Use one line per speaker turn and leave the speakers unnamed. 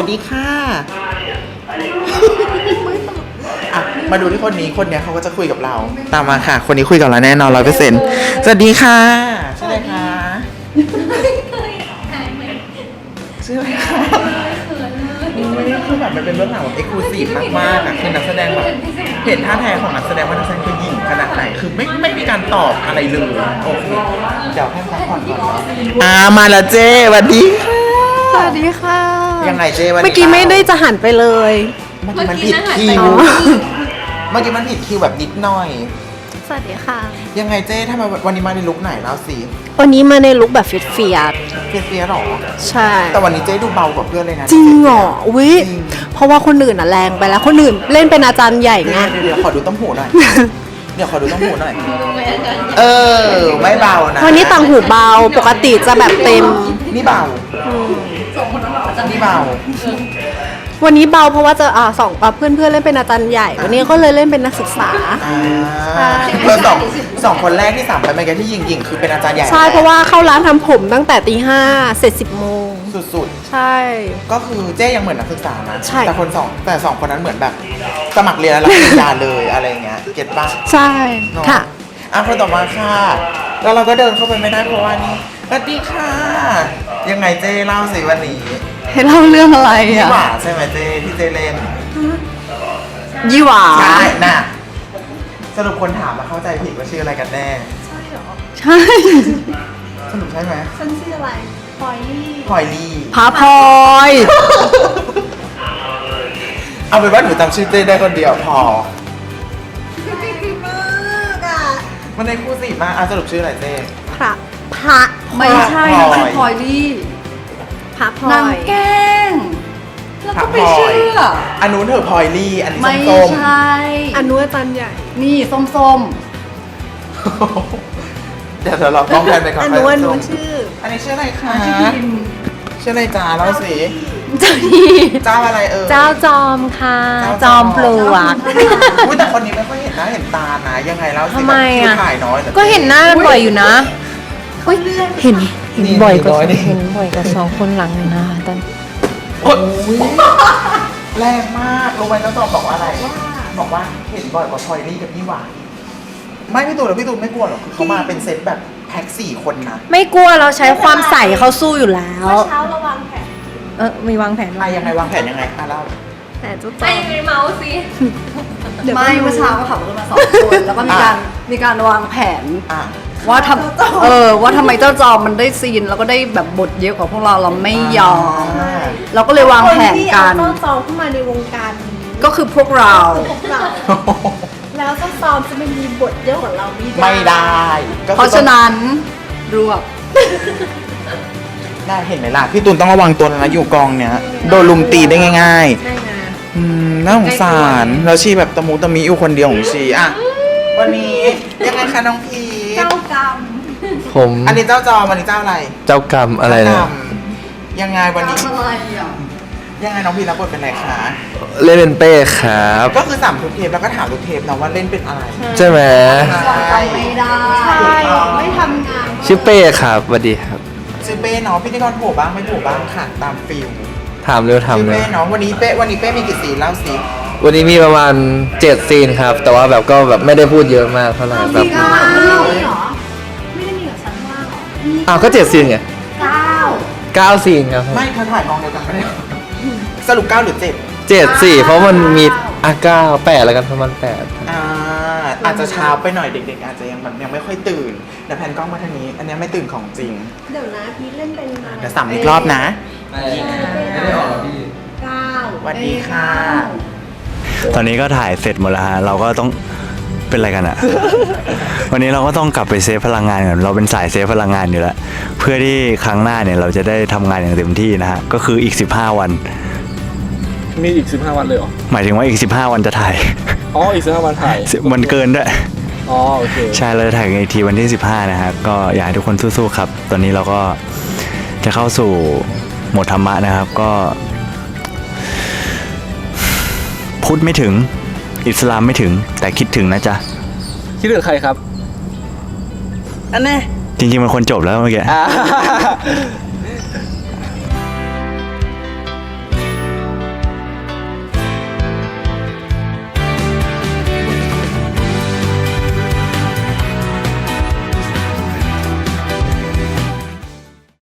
สดีค่ะมาดูที่คนนี้คนเนี้ยเขาก็จะคุยกับเราตามมาค่ะคนนี้คุยกับเราแน่นอน100%สวัสดีค่ะชื่ออะไรคะชื่ออะไรคะไม่ได้คือแบบมันเป็นเรื่องราวแบบเอ็กซ์คลูซีฟมากๆอ่ะคือนักแสดงแบบเห็นท่าแท้ของนักแสดงว่านักแสดงคือหญิงขนาดไหนคือไม่มีการตอบอะไรเลยโอเคเดี๋ยวให้พักผ่อนก่อนมาแล้วเจ้สวัสดีค่ะ
สวัสดีค่ะ
ยังไงเจ้วันนี้
เมื่อกี้ไม่ได้จะหันไปเลย
เมื่อกี้มันผิดคิวเมื่อกี้มันผิดคิวแบบนิดหน่อย
สวัสดีค่ะ
ยังไงเจ้ทำไมวันนี้มาในลุคไหนแล้วสิ
วันนี้มาในลุคแบบเฟีย
หรอ
ใช่
แต่วันนี้เจ้ดูเบากว่าเพื่อนเลยนะ
จริงเหรอวิเพราะว่าคนอื่นแรงไปแล้วคนอื่นเล่นเป็นอาจารย์ใหญ่ไง
เดี๋ยวขอดูต้มหูหน่อยเดี๋ยวขอดูต้มหูหน่อยไม่เบานะ
วันนี้ต่างหูเบาปกติจะแบบเต็ม
นี่เบานี่เบา
วันนี้เบาเพราะว่าจะเพื่อนเล่นเป็นอาจารย์ใหญ่วันนี้ก็เลยเล่นเป็นนักศึกษา
สองคนแรกที่3ไปเมื่อกี้ที่ยิงคือเป็นอาจารย์ใหญ่
ใช่เพราะว่าเข้าร้านทำผมตั้งแต่ตี 5เสร็จ10 โมง
สุด
ใช่
ก็คือเจ๊ยังเหมือนนักศึกษานะ
ใช่
แต่สองคนนั้นเหมือนแบบสมัครเรียนแล้วรับปริญญาเลยอะไรเงี้ยเก็ตป่ะ
ใช่ค่ะ
คนต่อมาค่ะแล้วเราก็เดินเข้าไปไม่ได้เพราะว่านี่สวัสดีค่ะยังไงเจ๊เล่าสิวันนี้
ให้เล่าเรื่องอะไร
ยี่หว่าใช่ไหมเจ๊ที่เจ๊เล่น
ยี่หว่า
ใช่น่ะสรุปคนถามมาเข้าใจผิดว่าชื่ออะไรกันแน่
ใช่หรอใช่
สรุปใช่ไหม
ฉันชื่ออะไรพลอย
ลี่
พาพลอย
เอาเป็นว่าหนูจำชื่อเจ๊ได้คนเดียวพอมันในคู่สิมากสรุปชื่ออะไรเจ๊
พระ
ไม่ใช่ชื่อพลอยลี่
พระพลอย
นางแก้งแล้วก็ไปเชื่อ
อันนู้นเธอพลอยลี่อันนี้ส้ม
ไม่ใช่
อันนู้นอาจารย์ใหญ่
นี่ส้ม
เดี๋ยวเราต้องแพนไปก่อน
อันนู้นชื่อ
อันนี้ชื่ออะไรคะชื่ออะไรจ้าเล่าสิเจ้าอะไร
เจ้าจอมค่ะจอมปลวก
แต่คนนี้ไม่ค่อยเห็นหน้าเห็นตานะยังไงแล้ว
ทำไมอ่ะ
ถ่ายน้อย
ก็เห็นหน้าบ่อยอยู่นะเห็นบ่อยกว่า2 คนหลังนะตอน
แรงมากรู้ไหมเจ้าจอมบอกว่าอะไรบอกว่าเห็นบ่อยกว่าพลอยลี่กับพี่หวานไม่พี่ตูนหรอพี่ตูนไม่กลัวหรอกเขามาเป็นเซตแบบแพ็ค4 คนนะ
ไม่กลัวเราใช้ความใส่เขาสู้อยู่แล้ว
เช้าเราวางแผน
มีวางแผน
ยังไงวางแผนยังไงเล่า
แต่จุ๊บ
ไม่เมาส์สิไม่เมื่อเช้าก็ขับรถมา2 คนแล้วก็มีการวางแผนว่าทำไมเจ้าจอมมันได้ซีนแล้วก็ได้แบบบทเยอะกว่าพวกเราไม่ยอมเราก็เลยวางแผนกัน
เจ้าจอมเข้ามาในวงการ
ก็คือพวกเรา
แล้วเจ้าจอมจะไม่มีบทเยอะกว่าเรา
ไม่ได้
เพราะฉะนั้นรวบ
ได้เห็นไหมล่ะพี่ตูนต้องระวังตัวนะอยู่กองเนี้ยโดนลุมตีได้ง่ายๆน่าสงสารแล้วชีแบบตะมุตะมิอยู่คนเดียวของชีวันนี้ยังไงคะน้องพี
เจ้ากรรม
ผม
อันนี้เจ้าจอวันนี้เจ้าอะไร
เจ้ากรรมอะไรนะ
ยังไงวันนี้ยังไงน้องพีรับบทเป็นอะไรคะ
เล่นเป็นเป้ครับ
ก็คือ3 ทุกเทปแล้วก็ถามทุกเทปนะว่าเล่นเป็นอะไร
ใช่ไหม
ไม่ได้ไม่ทำงาน
ชื่อเป้ครับสวัสดีครับ
ชื่อเป้เนาะพิธีกรโผล่บ้างไม่โผล่บ้างค่ะตามฟิล
ถามเร็ว
ชื่อเป้เนาะวันนี้เป้มีกี่ซีนเล่าสิ
วันนี้มีประมาณ7 ซีนครับแต่ว่าแบบก็แบบไม่ได้พูดเยอะมากเท่าไหร่แบบ
ไม่ได้มีกับฉันว่าหรอ
ก็7 ซีนไง9 ซีนครับ
ไม่เธอถ่ายกองเดียวกันไม่ได้สรุป9 หรือ
7 4เพราะมันมี9 8แล้วกันประมาณ8
อาจจะเช้าไปหน่อยเด็กๆอาจจะยังไม่ค่อยตื่นแต่แผ่นกล้องมาทางนี้อันนี้ไม่ตื่นของจริง
เดี๋ยวนะพี่เล่นเป็น
เดี๋ยว3 อีกรอบนะ
ไม่ได้ออกพี่
สวัสดีค่ะ
ตอนนี้ก็ถ่ายเสร็จหมดแล้วฮะเราก็ต้องเป็นอะไรกันอะ วันนี้เราก็ต้องกลับไปเซฟพลังงานกันเราเป็นสายเซฟพลังงานอยู่แล้วเพื่อที่ครั้งหน้าเนี่ยเราจะได้ทำงานอย่างเต็มที่นะฮะก็คืออีก15 วัน
มีอีก15 วันเลยเหรอ
หมายถึงว่าอีก15 วันจะถ่าย
อีก15 วันถ่าย
มันเกินด้วย
โอเค
ใช่เราจะถ่ายกันอีกทีวันที่15นะฮะก็อยากให้ทุกคนสู้ๆครับตอนนี้เราก็จะเข้าสู่โหมดธรรมะนะครับก็พุทธไม่ถึงอิสลามไม่ถึงแต่คิดถึงนะจ๊ะ
คิดถึงใครครับ
อันนี้
จริงๆมันคนจบแล้วเมื่อกี้